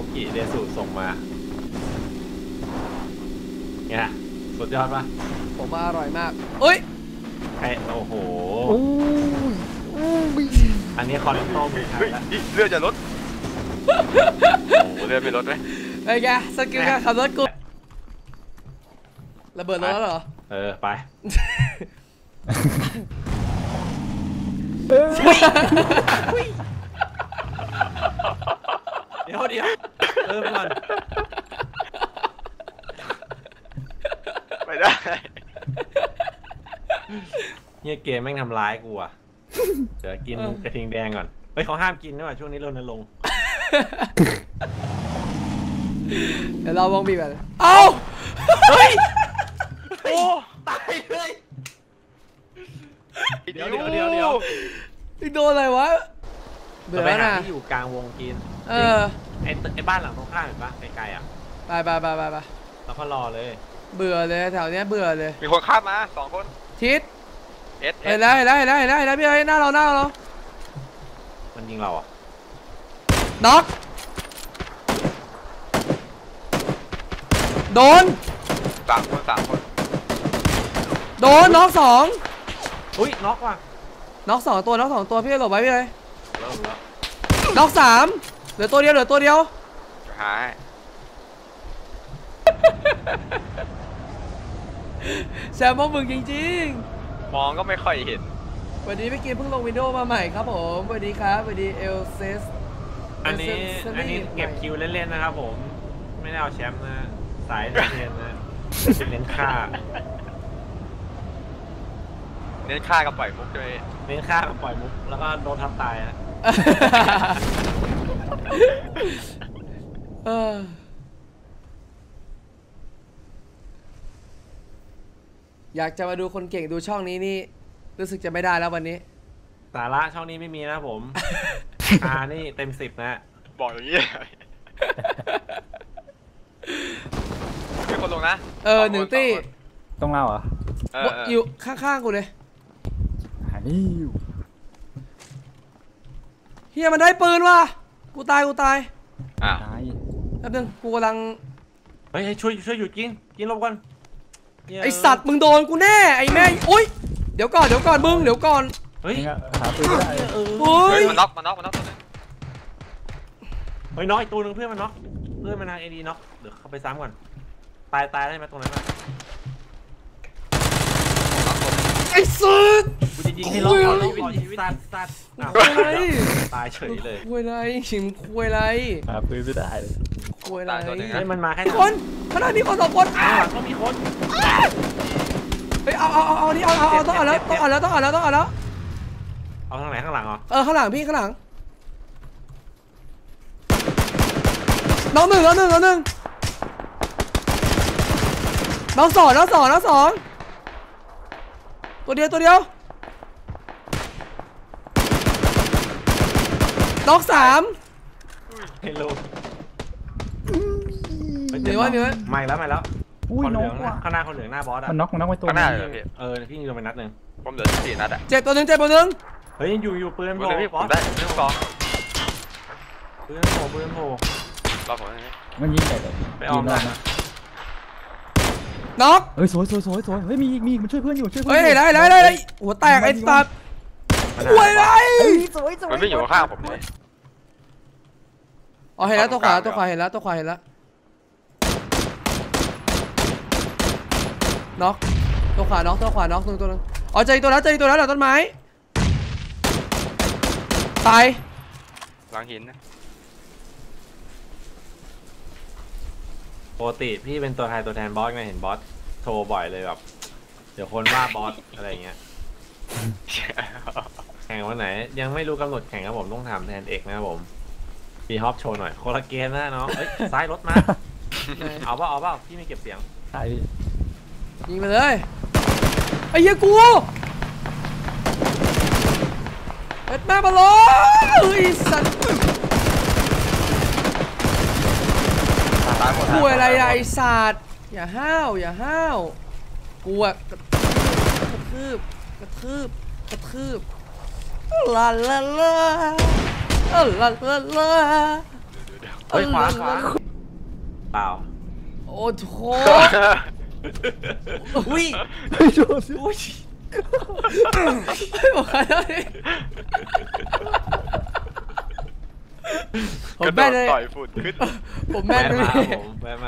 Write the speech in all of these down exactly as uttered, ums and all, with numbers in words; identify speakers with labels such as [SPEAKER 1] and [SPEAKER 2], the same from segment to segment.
[SPEAKER 1] กิเดสุส่งมาเนี่ยสุดยอดปะ
[SPEAKER 2] ผมว่าอร่อยมากเอ้ย
[SPEAKER 1] ไอโอ้โหอันนี้คอนโต้มือไทยแล้ว
[SPEAKER 3] เลือดจะลดโอ้เลือดไม่ลดไหม
[SPEAKER 2] ไอ้แกสกิลการขับรถกูระเบิดรถแล้วเหรอ
[SPEAKER 1] เออไปเดี๋ยวเดี๋ยวเออก่อน
[SPEAKER 3] ไปได้
[SPEAKER 1] เนี่ยเกมแม่งทำร้ายกูอ่ะเดี๋ยวกินกระทิงแดงก่อนเฮ้ยเขาห้ามกินด้วยช่วงนี้รณรงค์
[SPEAKER 2] เดี๋ยวเราวงบีบกันเอ้า
[SPEAKER 1] เฮ้ยโอ้ตายเลยเดี๋ยวเดี๋ยวเดี๋ยวเดี๋ยว
[SPEAKER 2] โดนอะไรวะ
[SPEAKER 1] เบื่อนะที่อยู่กลางวงกินเออไอไอบ้านหลังตรงข้ามเห็นปะไกลๆอ่ะ
[SPEAKER 2] ไปไปไปไปไป
[SPEAKER 1] แล้วก็รอเลย
[SPEAKER 2] เบื่อเลยแถวเนี้ยเบื่อเลย
[SPEAKER 3] มีคนข้ามมาสองคน
[SPEAKER 2] ทิศ
[SPEAKER 3] เอส
[SPEAKER 2] เห็นแล้วเห็นแล้วเห็นแล้วเห็นแล้วเห็นแล้วพี่เอ้ยหน้าเราหน้าเรา
[SPEAKER 1] มันยิงเราอ่ะ
[SPEAKER 2] น็อกโดน
[SPEAKER 3] สามคนสามคน
[SPEAKER 2] โดนน็อกสอง
[SPEAKER 1] อุ้ยน็อกว่ะ
[SPEAKER 2] น็อกสองตัวน็อกสองตัวพี่หลบไว้พี่เลยน็อกสามเหลือตัวเดียวเหลือตัวเดียว
[SPEAKER 3] หาย
[SPEAKER 2] แซมมองมึงจริง
[SPEAKER 3] ๆมองก็ไม่ค่อยเห็น
[SPEAKER 2] วันนี้พี่กินเพิ่งลงวินโดว์มาใหม่ครับผมสวัสดีครับสวัสดีเอลเซส
[SPEAKER 1] อันนี้อันนี้เก็บคิวเล่นๆนะครับผมไม่ได้เอาแชมป์นะสายเล่นนะเน้นฆ่า
[SPEAKER 3] เน้นฆ่ากับปล่อยมุกด้วย
[SPEAKER 1] เน้นฆ่ากับปล่อยมุกแล้วก็โดนทับตายนะ
[SPEAKER 2] อยากจะมาดูคนเก่งดูช่องนี้นี่รู้สึกจะไม่ได้แล้ววันนี้
[SPEAKER 1] สาระช่องนี้ไม่มีนะผมอานี่เต็มสิบนะ
[SPEAKER 3] บอกอย่างนี้มีคนลงนะ
[SPEAKER 2] เออหนึ่งตี้
[SPEAKER 4] ต้องเล่าเหรอ
[SPEAKER 2] อยู่ข้างๆกูเลย
[SPEAKER 4] หานี่
[SPEAKER 2] เฮียมันได้ปืนว่ะกูตายกูตาย
[SPEAKER 3] อ่ะ
[SPEAKER 2] แป๊บนึงกูกำลัง
[SPEAKER 1] เฮ้ยช่วยช่วยหยุดกินกินลบกัน
[SPEAKER 2] ไอสัตว์มึงโดนกูแน่ไอแม่โอ๊ยเดี๋ยวก่อนเดี๋ยวก่อนมึงเดี๋ยวก่อน
[SPEAKER 1] เฮ้ย
[SPEAKER 4] หาปืนไม่ได้
[SPEAKER 2] เฮ้ย
[SPEAKER 3] มันน็อกมันน็อกมันน็อกตัวนึง
[SPEAKER 1] เฮ้ยน็อกอีกตัวนึงเพื่อนมันน็อกเพื่อนมันนางเอดีน็อกเดี๋ยวเข้าไปซ้ำก่อนตายตายได้ไหมตรงนั้น
[SPEAKER 2] ไอ้สุด
[SPEAKER 1] กูจะยิงให้ล็อกเอาล็อกก่อนชีวิตตัดตัดตายเฉยเลย
[SPEAKER 2] คุยไรชิมคุยไร
[SPEAKER 4] หาปืนไม่ได้
[SPEAKER 2] คุยไร
[SPEAKER 1] ให้มันมาแค่
[SPEAKER 2] คนขนาดนี้คนสองคน
[SPEAKER 1] อ่ะก็มีคน
[SPEAKER 2] เฮ้ยเอาเอาเอาเอานี่เอาเอาเอาต้องเอาแล้วต้องเอาแล้วต้องเอาแล้วต้องเอาแล้ว
[SPEAKER 1] เอาทางไหนข้างหลังเหรอ
[SPEAKER 2] เออข้างหลังพี่ข้างหลังน้องหนึ่งน้องหนึ่งน้องหนึ่งน้องสองน้องสองน้องสองตัวเดียวตัวเดียวน้องสาม
[SPEAKER 1] เฮลโล
[SPEAKER 2] มีไว้มีไว้
[SPEAKER 1] ไม่แล้วไม่แล้วคนเหลืองข้างหน้าคนเหลืองหน้าบอสอ่ะ
[SPEAKER 4] มันน็อกมันน็อกไปตัว
[SPEAKER 3] ข้างหน้าเลยพี่
[SPEAKER 1] เออพี่ยิงโดนไปนัดหนึ่ง
[SPEAKER 3] ผมเหลือสี่นัดอ่ะ
[SPEAKER 2] เจ็บตัวหนึ่งเจ็บตัวหนึ่ง
[SPEAKER 1] เฮ้ยอยู่อยู่ปืนโผล่
[SPEAKER 3] พี่ผมได้ปืนสอง
[SPEAKER 1] ปืนโผล่ปืนโผล่
[SPEAKER 3] รอผม
[SPEAKER 4] มันยิงใส่เลย
[SPEAKER 1] ไปออมได้นะ
[SPEAKER 2] น็อก
[SPEAKER 4] เฮ้ยสวยสวยสวยสวยเฮ้ยมีมีมันช่วยเพื่อนอยู่ช่วยเพื่อน
[SPEAKER 2] เฮ้ยได้ได้ได้หัวแตกไอ้สัตว์ป่วยไร
[SPEAKER 4] สวยสวย
[SPEAKER 3] มันไม่อยู่ข้างผมเลย
[SPEAKER 2] อ๋อเห็นแล้วตัวขวาตัวขวาเห็นแล้วตัวขวาเห็นแล้วน็อกตัวขวาน็อกตัวขวาน็อกตัวตัวนึงอ๋อเจอตัวแล้วเจอตัวแล้วหลังต้นไม้ตาย
[SPEAKER 3] หลังหินนะ
[SPEAKER 1] ปกติพี่เป็นตัวแทนตัวแทนบอสไงเห็นบอสโทรบ่อยเลยแบบเดี๋ยวคนว่าบอสอะไรเงี้ยแข่งวันไหนยังไม่รู้กำหนดแข่งครับผมต้องถามแทนเอกนะครับผมพี่ฮอปโชว์หน่อยโคลาเกนนะน้องเอ้ยซ้ายรถมาเอาเปล่าเอาเปล่าพี่ไม่เก็บเสียง
[SPEAKER 4] ใช่
[SPEAKER 2] ยิงไปเลยไอ้เหี้ยกูเปิดมาบอลเฮ้ยสัตว์กูอะไรไอ้สัตว์อย่าห้าวอย่าห้าวกูอะกระทืบกระทืบกระทืบลาลาลาลาลาลา
[SPEAKER 1] เฮ้ยขวาขวาเปล่า
[SPEAKER 2] โอ้โห
[SPEAKER 1] อุ้ย
[SPEAKER 4] ไม่โดนสิ
[SPEAKER 1] อุ้ย
[SPEAKER 2] ไม่บอกใครเลยผม
[SPEAKER 3] กระโด
[SPEAKER 2] แม่
[SPEAKER 3] ด
[SPEAKER 2] นเลย
[SPEAKER 3] ต่อยฝุ่นขึ้น
[SPEAKER 2] ผมแม่นเลย
[SPEAKER 1] มาผมแม่มา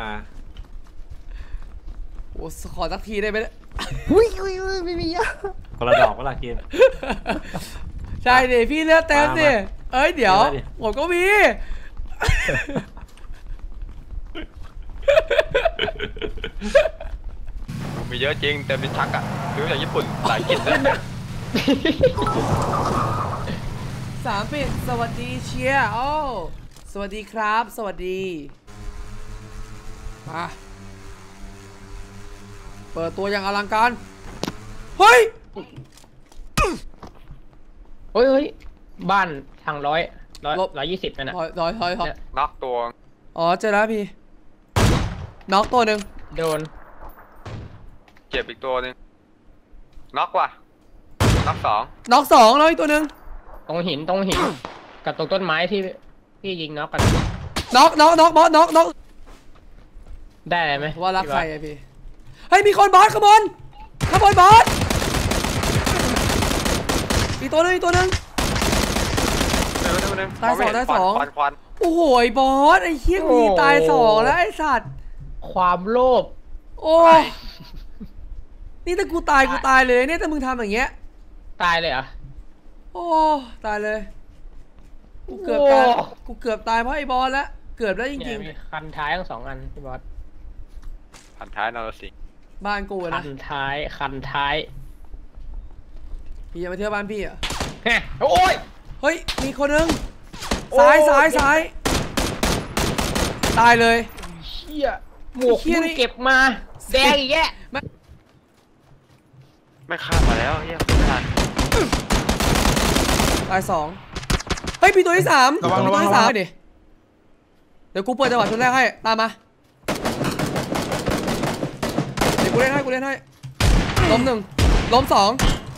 [SPEAKER 2] โอ้ขอสักทีได้ไหมเนี่ย
[SPEAKER 4] อุ้ยอุ้ยอุ้ยไม่มีอ่ะ
[SPEAKER 1] คนละดอกก็ละกิน
[SPEAKER 2] ใช่ดิพี่เลือดเต็มดิ
[SPEAKER 1] มา
[SPEAKER 2] เอ้ยเดี๋ยว
[SPEAKER 1] มาดิ
[SPEAKER 2] ผมก็มี
[SPEAKER 3] มีเยอะจริงแต่เป็นชักอ่ะซื้อจากญี่ปุ่นหลายกินเลย
[SPEAKER 2] สามปิดสวัสดีเชียร์โอ้สวัสดีครับ สวัสดีมาเปิดตัวอย่างอลังการ เฮ้ย
[SPEAKER 5] เฮ้ยเฮ้ยบ้านทางร้อยร้อย
[SPEAKER 2] ลบ
[SPEAKER 5] ร้อยยี่สิบนั่นน่ะ
[SPEAKER 2] ถอยถอยถอยถอย
[SPEAKER 5] เนี่ย
[SPEAKER 3] น็อกตัว
[SPEAKER 2] อ๋อเจอแล้วพี่น็อกตัวหนึ่ง
[SPEAKER 5] โดน
[SPEAKER 3] เจ็บอีกตัวหนึงน็อกว่ะน็อกสอง
[SPEAKER 2] น็อกสองแล้วอีกตัวหนึ่ง
[SPEAKER 5] ตรงหินตรงหิน กับตรงต้นไม้ที่ที่ยิงน็อกกัน
[SPEAKER 2] น็อกน็อกน็อกบอสน็อกน็อก
[SPEAKER 5] ได้อะไรไหม
[SPEAKER 2] ว่ารัก
[SPEAKER 5] พี่
[SPEAKER 2] ใคร
[SPEAKER 5] บอส
[SPEAKER 2] อะพี่เฮ้ยมีคนบอสขบวนขบวนบอสอีกตัวหนึงอีกตัวหนึง
[SPEAKER 3] เดี๋ยวเดี๋ยวเดี๋ยว
[SPEAKER 2] ตายสอง
[SPEAKER 3] มไม่เห็น
[SPEAKER 2] ตายสอง
[SPEAKER 3] ควันควัน
[SPEAKER 2] โอ้โหไอ้บอสไอ้เฮี้ยกูยิงตายสองแล้วไอ้สัตว์
[SPEAKER 5] ความโลภ
[SPEAKER 2] โอ้นี่ถ้ากูตายกูตายเลยเนี่ยถ้ามึงทำอย่างเงี้ย
[SPEAKER 5] ตายเลยเหรอ
[SPEAKER 2] โอ้ตายเลยกูเกือบตายกูเกือบตายเพราะไอ้บอสแล้วเกือบแล้วจ
[SPEAKER 5] เนี่
[SPEAKER 2] ริ
[SPEAKER 5] ย
[SPEAKER 2] ง
[SPEAKER 5] มีคันท้ายทั้งสองอันพี่บอส
[SPEAKER 3] พันท้ายนรสิงห์
[SPEAKER 2] ๆบ้านกูอะ
[SPEAKER 5] คั
[SPEAKER 2] นะ
[SPEAKER 5] นท้ายคันท้าย
[SPEAKER 2] พี่จะมาเที่ยวบ้านพี่เหรอ่ะ
[SPEAKER 5] ฮะโอ้ย
[SPEAKER 2] เฮ้ยมีคนนึง
[SPEAKER 5] โอ้
[SPEAKER 2] ซ้ายซ้ายซ้ายตายเลย
[SPEAKER 5] เชี่ยหมวก
[SPEAKER 2] เหี้ย
[SPEAKER 5] มึ
[SPEAKER 2] นี่
[SPEAKER 5] งเก็บมาแดงอีกแยะ
[SPEAKER 3] ไม่ข้ามมาแล้วเฮียไม่ทัน
[SPEAKER 2] ตายสองเฮ้ยมีตัวที่สาม
[SPEAKER 4] ระวัง
[SPEAKER 2] มี
[SPEAKER 4] ระ
[SPEAKER 2] ตัว
[SPEAKER 4] วัง
[SPEAKER 2] ที่
[SPEAKER 4] ระ
[SPEAKER 2] สา
[SPEAKER 4] วั
[SPEAKER 2] ม
[SPEAKER 4] ง
[SPEAKER 2] ดิเดี๋ยวกูเปิดจังหวะชุดแรกให้ตามมาเดี๋ยวกูเล่นให้กูเล่นให้ล้มหนึ่งล้มสอง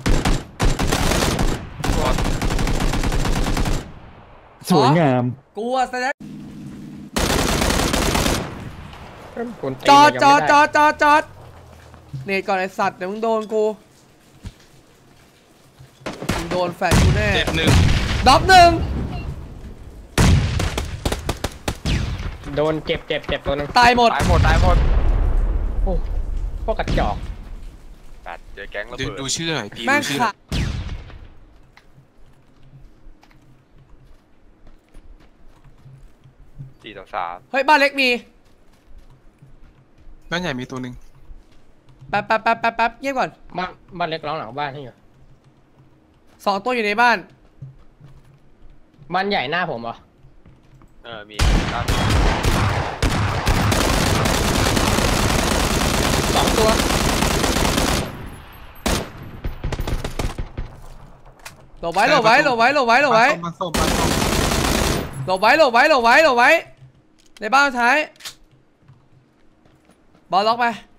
[SPEAKER 4] สวยงาม
[SPEAKER 2] กูอะแสดง
[SPEAKER 5] คนตี
[SPEAKER 2] จอด
[SPEAKER 5] ยัง
[SPEAKER 2] จอด
[SPEAKER 5] ไม่
[SPEAKER 2] จ
[SPEAKER 5] ไ
[SPEAKER 2] อดจอดจอดเนตก่อนไอสัตว์เดี๋ยวมึงโดนกูมึงโดนแฟนกูแน่
[SPEAKER 3] เจ็บหนึ่ง
[SPEAKER 2] ด็อกหนึ่ง
[SPEAKER 5] โดนเจ็บเจ็บเจ็บตัวหนึง
[SPEAKER 2] ตายหมด
[SPEAKER 3] ตายหมดตายหมด
[SPEAKER 5] โอ้พวกกระจอก
[SPEAKER 3] แปดเจอแก๊งระ
[SPEAKER 6] ดู
[SPEAKER 3] เบิด
[SPEAKER 6] ดูชื่อหน่อยพี่
[SPEAKER 2] แม่ง
[SPEAKER 6] ดูชื่อ
[SPEAKER 2] ขาด
[SPEAKER 3] สี่ต่อสาม
[SPEAKER 2] เฮ้ยบ้านเล็กมี
[SPEAKER 6] บ้านใหญ่มีตัวหนึ่ง
[SPEAKER 2] แป๊บแป๊บแป๊บแป๊บแป๊บเงียบก่อน
[SPEAKER 5] บ้านบ้านเล็กร้องหลังบ้านให้อยู่
[SPEAKER 2] สองตัวอยู่ในบ้าน
[SPEAKER 5] บ้านใหญ่หน้าผมเหรอ
[SPEAKER 3] เออมีด้าน
[SPEAKER 5] สองตัว
[SPEAKER 2] หลบไว้หลบไว้หลบไว้หลบไว้หลบไว้
[SPEAKER 6] มาส่งมาส่ง
[SPEAKER 2] หลบไว้หลบไว้หลบไว้หลบไว้ในบ้านท้ายบอลล็อกไป